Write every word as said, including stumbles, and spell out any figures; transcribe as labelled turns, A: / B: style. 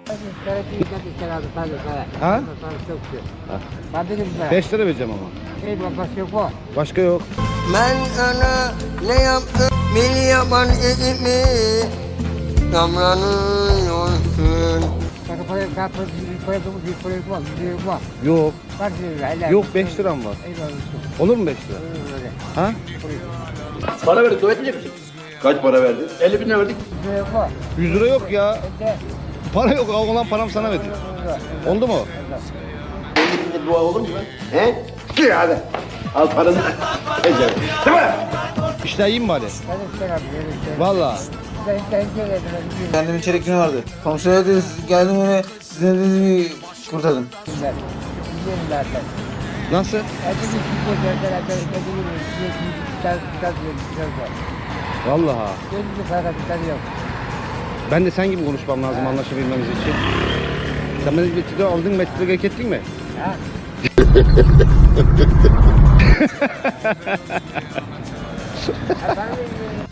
A: Ha?
B: Ha.
A: beş lira vereceğim ama. Başka yok.
C: Ben sana ne yaptım beni yapan mi? Damlanıyorsun.
A: Yok. Yok beş liram var. Olur mu beş lira? Ha?
B: Para verdik, dua etmeyecek misin? Kaç para verdin? elli bin lira verdik.
A: yüz lira yok ya. Para yok. Olan param sana verdim. Oldu mu?
B: elli bin lira dua olur mu lan? He? Gir hadi. Al paranı. Ecel. Değil mi?
A: İşler iyi mi bari? Valla.
D: Kendimin çeyrek günü vardı. Komşuya dedi, geldim öyle sizin dediğinizi kurtardım.
A: Nasıl? Vallahi. Ben de sen gibi konuşmam lazım anlaşabilmemiz için. Sen beni metrede aldın, metrede gerek ettin mi?
C: Ha?